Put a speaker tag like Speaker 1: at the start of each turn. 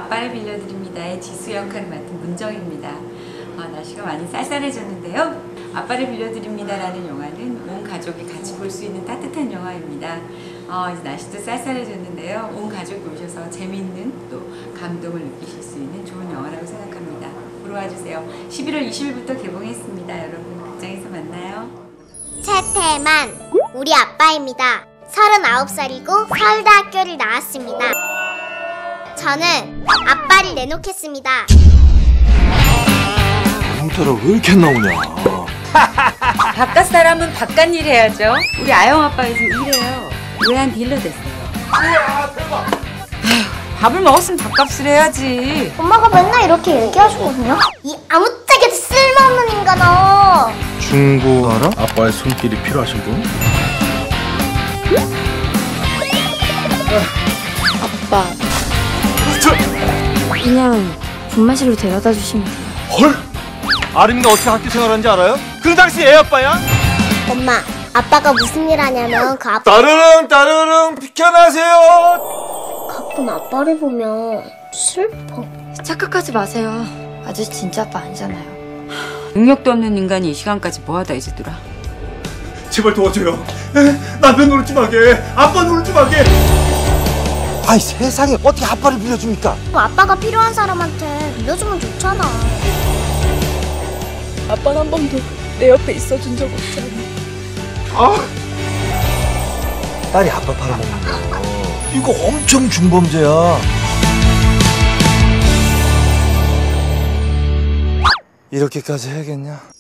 Speaker 1: 아빠를 빌려드립니다의 지수 역할을 맡은 문정입니다. 날씨가 많이 쌀쌀해졌는데요. 아빠를 빌려드립니다라는 영화는 온 가족이 같이 볼 수 있는 따뜻한 영화입니다. 이제 날씨도 쌀쌀해졌는데요. 온 가족이 오셔서 재미있는 또 감동을 느끼실 수 있는 좋은 영화라고 생각합니다. 보러 와주세요. 11월 20일부터 개봉했습니다. 여러분 극장에서 만나요.
Speaker 2: 최태만, 우리 아빠입니다. 39살이고 서울대학교를 나왔습니다. 저는 아빠를 내놓겠습니다.
Speaker 3: 형태를 왜 이렇게 안 나오냐.
Speaker 1: 바깥 사람은 바깥 일 해야죠. 우리 아영 아빠 요즘 일해요. 외환 딜러 됐어요.
Speaker 3: 우와 대박.
Speaker 1: 밥을 먹었으면 밥값을 해야지.
Speaker 2: 엄마가 맨날 이렇게 얘기하시거든요. 이 아무짝에도 쓸모없는 인간아.
Speaker 3: 중고 알아? 아빠의 손길이 필요하신 분?
Speaker 4: 아빠, 그냥 분만실로 데려다 주시면 돼요.
Speaker 3: 헐! 아림이가 어떻게 학교 생활하는지 알아요? 그 당시 애 아빠야?
Speaker 2: 엄마, 아빠가 무슨 일 하냐면 그 아빠
Speaker 3: 따르릉 비켜나세요.
Speaker 2: 가끔 아빠를 보면 슬퍼.
Speaker 4: 착각하지 마세요. 아저씨 진짜 아빠 아니잖아요.
Speaker 1: 능력도 없는 인간이 이 시간까지 뭐하다 이제 들어.
Speaker 3: 제발 도와줘요. 남편 노릇 좀 하게. 아빠 노릇 좀 하게. 아이 세상에 어떻게 아빠를 빌려줍니까?
Speaker 2: 아빠가 필요한 사람한테 빌려주면 좋잖아.
Speaker 5: 아빠는 한 번도 내 옆에 있어준 적 없잖아.
Speaker 3: 딸이 아빠 팔아먹는 거 이거 엄청 중범죄야. 이렇게까지 해야겠냐?